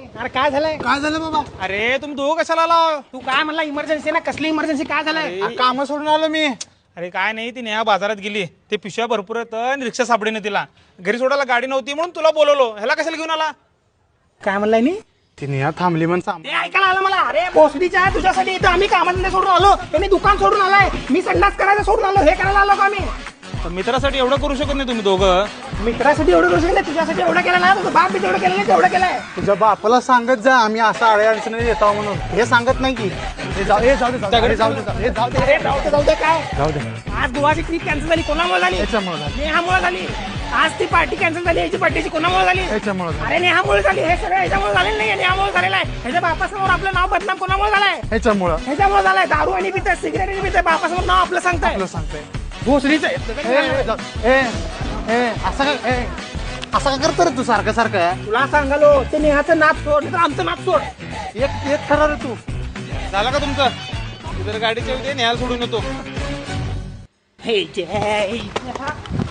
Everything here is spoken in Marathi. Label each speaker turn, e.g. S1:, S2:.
S1: अरे काय झालंय?
S2: काय झालं बाबा?
S3: अरे तुम्ही दोघं कशाला आला?
S1: तू काय म्हणला इमर्जन्सी ना? कसली इमर्जन्सी? काय झालंय?
S2: काम सोडून आलो मी.
S3: अरे काय नाही, ती नेहा बाजारात गेली, ते पिशव्या भरपूर आहेत आणि रिक्षा सापडेने तिला. घरी सोडायला गाडी नव्हती म्हणून तुला बोलवलो. ह्याला कशाला घेऊन आला?
S1: काय म्हणलाय नी?
S2: तिने या थांबली म्हणून
S1: ते ऐकायला आलं मला. अरे भोसडीच्या तुझ्यासाठी इथं आम्ही कामाधंदे सोडून आलो, त्यांनी दुकान सोडून आलाय, मी संडास करायचं सोडून आलो, हे करायला आलो का आम्ही?
S3: पण मित्रासाठी एवढं करू शकत नाही तुम्ही दोघं.
S1: मित्रासाठी एवढं करू शकत नाही, तुझ्यासाठी एवढं केलं ना, तुझं बाप बी तेवढं केलं नाही, तेवढं केलंय.
S2: तुझ्या बापाला सांगत जा आम्ही असं आडे अडचणी येतो म्हणून. हे सांगत नाही की जाऊ दे जाऊ दे जाऊ दे
S1: अरे जाऊ दे काय?
S2: जाऊ दे.
S1: आज गोवाची ट्रिप कॅन्सल झाली, कोणामुळे झाली?
S2: याच्यामुळे झालं.
S1: नेहामुळे झाली. आज ती पार्टी कॅन्सल झाली, याची पार्टीची कोणामुळे झाली?
S2: याच्यामुळे झालं.
S1: अरे नेहामुळे झाली. हे सगळं ह्याच्यामुळे झालेलं नाही, नेहामुळे झालेलं आहे. ह्याच्या बापासमोर आपलं नाव बदनाम कोणामुळे झालंय?
S2: ह्याच्यामुळं
S1: ह्याच्यामुळे झालंय. दारू आणि पिते, सिगरेट पिते, बापासमोर नाव आपलं सांगताय.
S2: आपलं सांगतोय.
S1: भोसडीचं
S2: असं का करतो रे तू सारखं सारखं?
S1: तुला सांगालो, ते नेहाचं नाच सोड, तर आमचं नाच सोड.
S2: एक खरा रे तू.
S3: झालं का तुमचं? तू जर गाडीच्या उद्या न्यायला सोडून येतो.
S1: हे जय